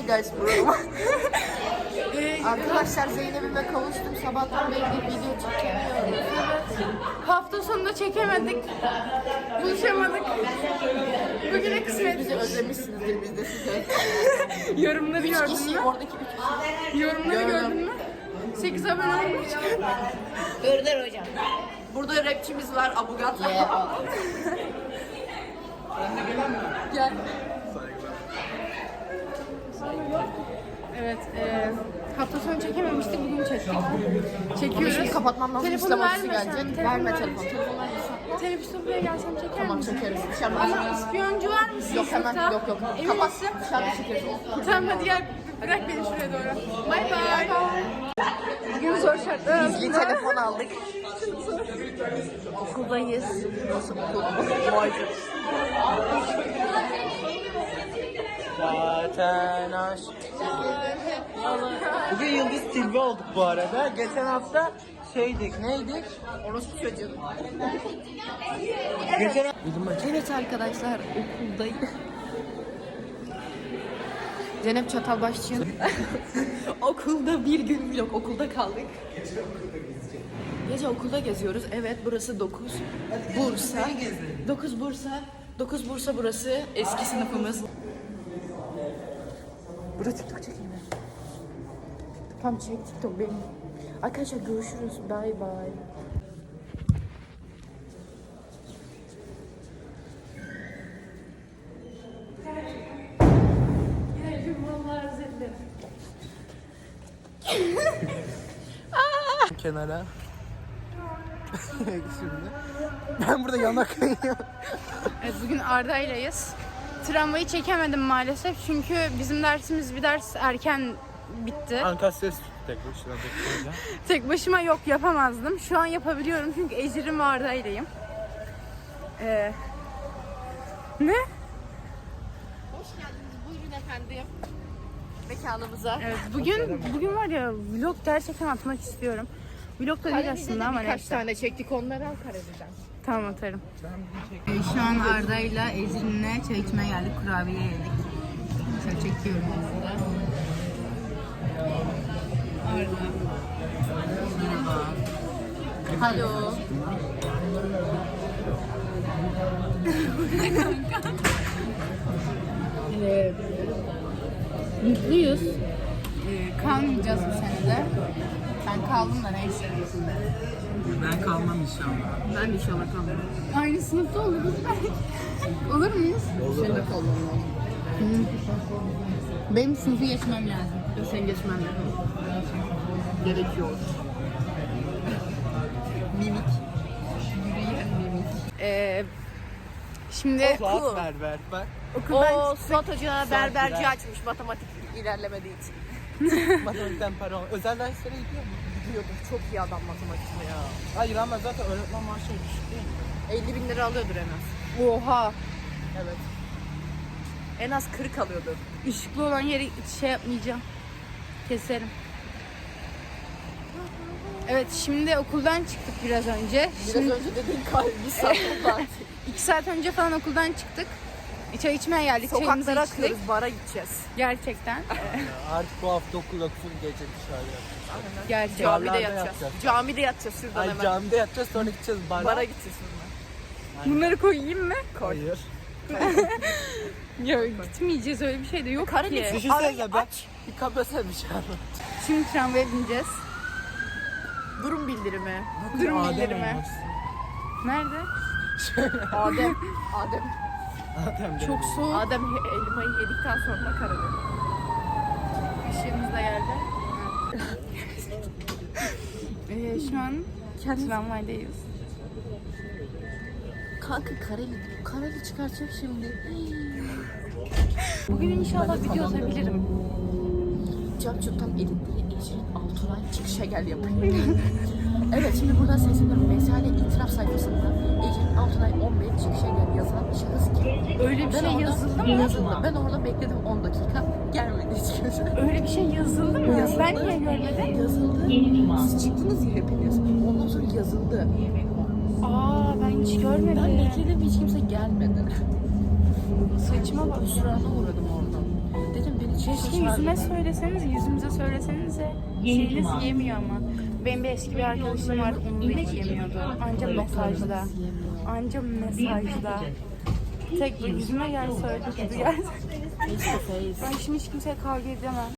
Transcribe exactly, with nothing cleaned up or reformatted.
guys bro. Arkadaşlar Zeynep'ime kavuştum. Sabahtan beri bir video çekemiyorum. Hafta sonunda çekemedik. Buluşamadık. Bugüne kısmet. Bizi özlemişsinizdir biz de size. Yorumları gördün Kişi, mü? oradaki üç kişi. Yorumları Gördüm. gördün mü? sekiz abone olmuş. Gördüler hocam. Burada rapçimiz var Abugat. Yeah. Gel. Evet, e, hafta sonu çekememiştik, bugün çektik. Çekiyoruz. Şimdi kapatmam lazım. Telefonu İslam verme ofisi sen, gelecek. telefonu Verme ver. telefon. Telefon verme. Teneffüste buraya gelsem çeker Tamam misin? çekeriz. Bir şey Ama yapmaz. ispiyoncu var mısın? Yok hemen sınıfta? yok yok. Emin Kapat. misin? Dışarıda çekeriz. Tamam hadi gel, bırak beni şuraya doğru. Bay bay. Bugün zor şartlar Gizli altında. telefon aldık. Okuldayız. Nasıl okul? Zaten aşk. Bugün Yıldız Tilbe olduk bu arada. Geçen hafta şeydik, neydik? Orospu çocuğu. Geçen Evet arkadaşlar okuldayım. Zeynep Çatalbaşçı'nın okulda bir gün vlog okulda kaldık. Gece okulda geziyoruz. Evet burası dokuz Bursa. dokuz Bursa. dokuz Bursa burası eski sınıfımız. Burada TikTok çekeyim mi? Tamam çek TikTok benim. Arkadaşlar görüşürüz. Bye bye. kenara. Şimdi. Ben burada yanak kayıyorum. Evet, bugün Arda'ylayız. Tramvayı çekemedim maalesef çünkü bizim dersimiz bir ders erken bitti. Ankastres tek başına bekleyeceğim. Tek başıma yok yapamazdım. Şu an yapabiliyorum çünkü Ecrin ve Arda'yleyim. Ee, ne? Hoş geldiniz. Buyurun efendim. Mekanımıza. Evet, bugün bugün var ya vlog gerçekten atmak istiyorum. Vlog da değil aslında ama birkaç neyse. tane çektik onları al Karadeniz'den. Tamam atarım. Ee, şu an Arda'yla Ecrin'le çay içmeye geldik. Kurabiye yedik. Şöyle çekiyorum aslında. Arda. Merhaba. Alo. Ee, mutluyuz. Ee, kalmayacağız bu senede. Ben kaldım da neyse. Ben kalmam inşallah. Ben de inşallah kalmam. Aynı sınıfta oluruz belki. Olur muyuz? Senin de kalmam lazım. Benim sınıfı geçmem lazım. Sen geçmen lazım. Gerekiyor. Mimik. Yürüyen mimik. Ee, şimdi Suat berber bak. okuldan O Suat Hoca berberci Güzel. açmış matematik ilerlemediği için. Matematikten para al. Özel derslere gidiyor mu? Gidiyordur. Çok iyi adam matematikte ya. Hayır ama zaten öğretmen maaşı düşük değil mi? elli bin lira alıyordur en az. oha. Evet. En az kırk alıyordur. Işıklı olan yeri şey yapmayacağım. Keserim. Evet şimdi okuldan çıktık biraz önce. Biraz Şimdi önce dediğin kalbi bir saat oldu. iki saat önce falan okuldan çıktık. Çay içmeye geldik. Çayımızı Sokaklara içtik. akıyoruz, bara gideceğiz. Gerçekten. Artık bu hafta okul yok, full gece dışarı yapacağız. Gerçekten. Camide Barlarda yatacağız. yatacağız. Camide yatacağız şuradan Ay hemen. camide yatacağız, sonra gideceğiz bara. Bara gideceğiz sonra. Bunları koyayım mı? Hayır. Ya gitmeyeceğiz, öyle bir şey de yok Karadeniz- ki. Düşünsene ben bir kapasam bir şey anlat. Şimdi tramvaya bineceğiz. Durum bildirimi. Durum Adem bildirimi. olmuşsun. Nerede? Adem. Adem. Adem Çok soğuk. Adem he- elmayı yedikten sonra karadı. Işığımız da geldi. ee, şu an tramvaydayız. Kanka kareli. Kareli çıkartacağım şimdi. Bugün inşallah video atabilirim. Capcuk'tan editleri Ecrin Alturay çıkışa gel yapıyor. Evet şimdi buradan sesleniyorum. Mesale itiraf sayfasında Ecrin Alturay on beş çıkışa gel yazan şahıs kim? Öyle bir Ben şey orada- yazıldı mı? Yazıldı. Ben orada bekledim on dakika. Gelmedi hiç kimse. Öyle bir şey yazıldı mı? Yazıldı. Ben niye görmedim? Yazıldı. Siz çıktınız ya hepiniz. Ondan sonra yazıldı. Aa ben hiç görmedim. Ben bekledim hiç kimse gelmedi. Saçma bak. Hüsrana uğradım oradan. Dedim beni Keşke yüzüme söyleseniz, yüzümüze söylesenize. Şeyiniz yemiyor ama. Benim bir eski bir arkadaşım vardı, onu da hiç yemiyordu. Anca mesajda. Anca mesajda. Tek yüzüme gel söyle, dedi gel. Ben şimdi hiç kimseye kavga edemem.